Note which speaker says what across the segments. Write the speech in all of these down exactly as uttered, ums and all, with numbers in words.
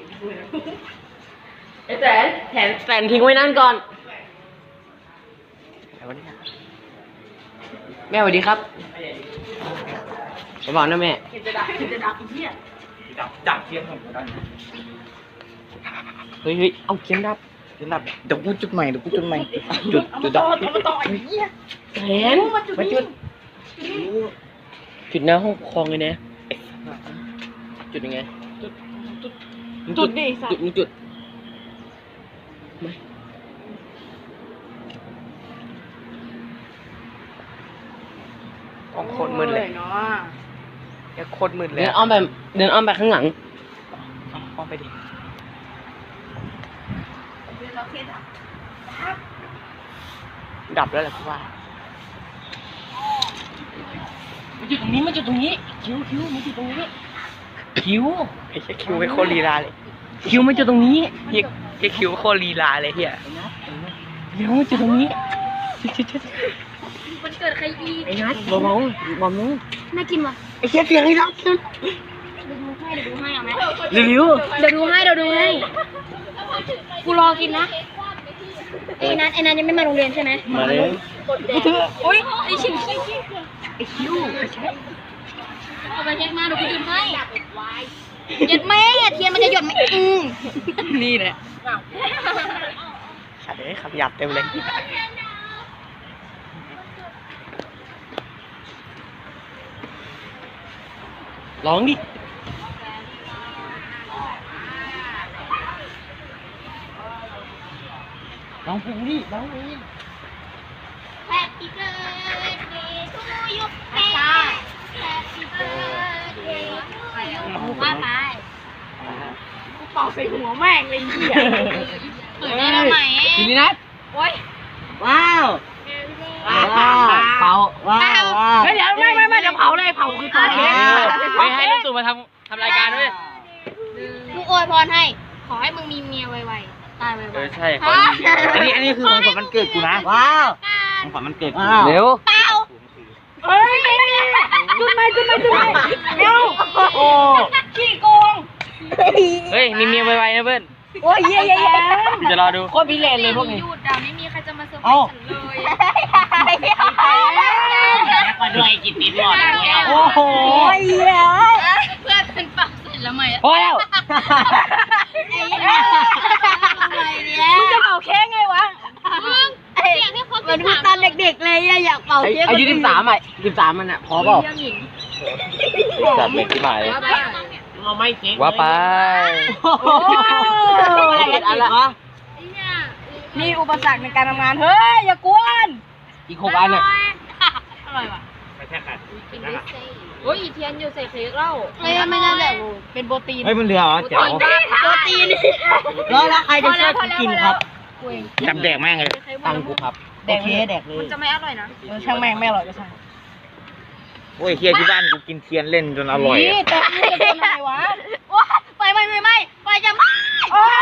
Speaker 1: ไอ้แสนแสนแสนทิ้งไว้นั่นก่อนแม่สวัสดีครับบอกนะแม่จะดับจะดับอีเหี้ยดับดับเทียนของกูได้เฮ้ยเฮ้ยเอาเทียนดับเทียนดับเดี๋ยวกูจุดใหม่เดี๋ยวกูจุดใหม่จุดจุดดับเอามาต่อไอ้เหี้ยแสนมาจุดจุดหน้าห้องคลองเลยนะจุดยังไงจุดจุดจุดดิจุดมึงจุดไม่ต้องโคตรมืดเลยเนาะอย่าโคตรมืดเลยเดินอ้อมไปเดินอ้อมไปข้างหลังอ้อมไปดิดับแล้วแหละพี่ว่ามันจุดตรงนี้มันจุดตรงนี้คิ้วคิ้วมันจุดตรงนี้คิ้วไอ้แค่คิ้วไม่โคตรลีลาเลยคิ้วมันจุดตรงนี้เฮียแค่คิ้วโคตรลีลาเลยเฮียคิ้วมันจุดตรงนี้
Speaker 2: มันเกิดใครอี
Speaker 1: ไอ้นัทบอมบอมบอมนู้
Speaker 2: น่ากินว่ะ
Speaker 1: ไอ้เชี่ยเสียงไอ้นัทเดี๋ยว
Speaker 2: ดูให้เดี๋ยวดูให้เอาไหม
Speaker 1: รีวิว
Speaker 2: เดี๋ยวดูให้เดี๋ยวดูให้กูรอกินนะไอ้นัทไอ้นัทยังไม่มาโรงเรียนใช่ไหม
Speaker 1: มาเลย
Speaker 2: กูถือโอ๊ยไอ้ชิงชิง
Speaker 1: ไอ้คิ้วไอ้เช็ค
Speaker 2: เอาไปเช็คมาเดี๋ยวกูจุดให้หยุดแม่เทียนมันจะหยดไหมอืม
Speaker 1: นี่แหละขัดเลยขับหยับเต็มเลยร้องดิร้องเพลงดิร้องเพลง
Speaker 2: Happy birthday to you Happy birthday to you ว่าไปกูเป่าใส่หัวแม่งเลยเหี้ยเปิดได้แล้วไหม
Speaker 1: ทีนี้นัด
Speaker 2: โอ๊ย
Speaker 1: ว้าวว้าวเผาว้าวเฮ้ยเดี๋ยวไม่ไม่ไม่เดี๋ยวเผาเลยเผาคือตัวเค้กไม่ให้ลูกตู่มาทำทำรายการด้วย
Speaker 2: กูอวยพรให้ขอให้มึงมีเมียไวๆตายไวๆ
Speaker 1: เออใช่อันนี้อันนี้คือของขวัญวันเกิดกูนะว้าวของขวัญวันเกิดกูเร็ว
Speaker 2: เปล่าเฮ้ยจุดไหมจุดไหมจุดไหมเร็ว
Speaker 1: โอ้
Speaker 2: ขี้โกง
Speaker 1: เฮ้ยมีเมียไวๆนะเพื่อน
Speaker 2: โอ้ยเย่เย่
Speaker 1: จะรอดูโคตรพิเรนเลยพวกนี้
Speaker 2: หยุดอ่ะไม่มีใครจะมาเซอร์ไพรส์ฉันเลย
Speaker 1: ก็ด้วยจิตติดหลอดโอ้โห
Speaker 2: เพื่อนเป็นปากเสร็จแล้วไหม
Speaker 1: พอแล้ว
Speaker 2: มึงจะเป่าเค้กไงวะมึงอยากให้ครบสิบสามตอนเด็กๆเลยอยากเป่าเค้ก
Speaker 1: อายุสิบสามอ่ะสิบสามมันอ่ะพอเปล่าจัดเม็ดที่หมายเราไม่เค้กว่าไป
Speaker 2: โอ้ยอะไรวะมีอุปสรรคในการทำงานเฮ้ยอย่ากวน
Speaker 1: อีกหกอันอ่ะ
Speaker 2: อร่อยว่ะ
Speaker 1: ไม่แค่กัด
Speaker 2: โอ้ยอีเทียนอยู่ใส่เค้กเล่าไม่ไม่ได้แบบเป็นโปรตีน
Speaker 1: เฮ้ยมันเหลือเหรอเจ๋ว
Speaker 2: โปรตีน
Speaker 1: แล้วแล้วใครจะช่วยกินครับจับแดกแม่งเลยตังกูครับ
Speaker 2: แดกเลยแดกเลยมันจะไม่อร่อยนะช่างแม่งไม่อร่อยก็ช่าง
Speaker 1: โอ้ยเฮียที่บ้านกูกินเทียนเล่นจนอร่อย
Speaker 2: นี่แต่มึงจะเป็นอะไรวะไปไม่ไม่ไม่ไปจะไม่โอ้ย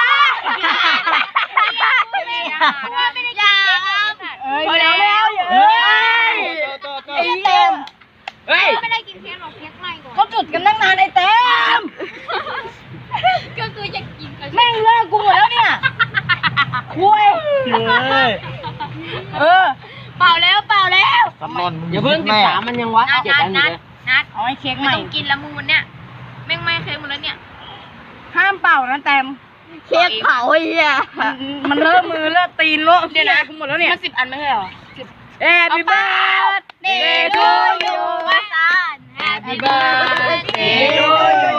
Speaker 2: ไม่ได้ยาไม่ได้ยาเอ้ยแล้วแล้วเฮ้ยไอ้เต็มเฮ้ยไม่ได้กินเค้กหรอกเค้กไรก่อนเขาจุดกันตั้งนานไอ้เต็มก็คือจะกินแม่งเลิกกูหมดแล้วเนี่ยคุยเออเปล่าแล้วเปล่าแล้ว
Speaker 1: อย่าเพิ่งสิบสามมันยังวัดเจ็ดอันอยู่เลย
Speaker 2: นัดเอาไอ้เค้กใหม่ต้องกินแล้วมึงวันเนี้ยแม่งไม่เค้กหมดแล้วเนี่ยห้ามเป่านะแต้ม
Speaker 1: เค้กเผาไอ้เหี้ย
Speaker 2: มันเลอะมือเลอะตีนเลอะเดี๋ยวนะหมดแล้วเนี่ยมันสิบอันไม่ใช่หรอสิบ Happy birthday to you ว่าซาน Happy birthday to you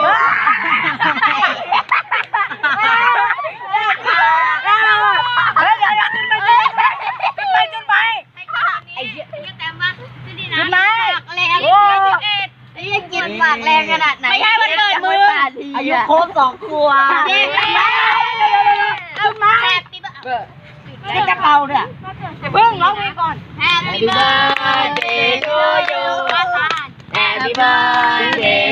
Speaker 2: เฮ้ยเดี๋ยวเดี๋ยวจุดไปจุดไปจุดไปไอ้เหี้ยแต้มว่าจุดดีนะจุดไหนแรงโอ้ไอ้ยังกินปากแรงขนาดไหนไม่ใช่มันเกิดมือ
Speaker 1: อายุครบสองขวบ
Speaker 2: เด็กเอามาแฮปปี้เบิร์ดในกระเป๋าเนี่ยอย่าเพิ่งร้องเพลงก่อน Happy birthday to you Happy birthday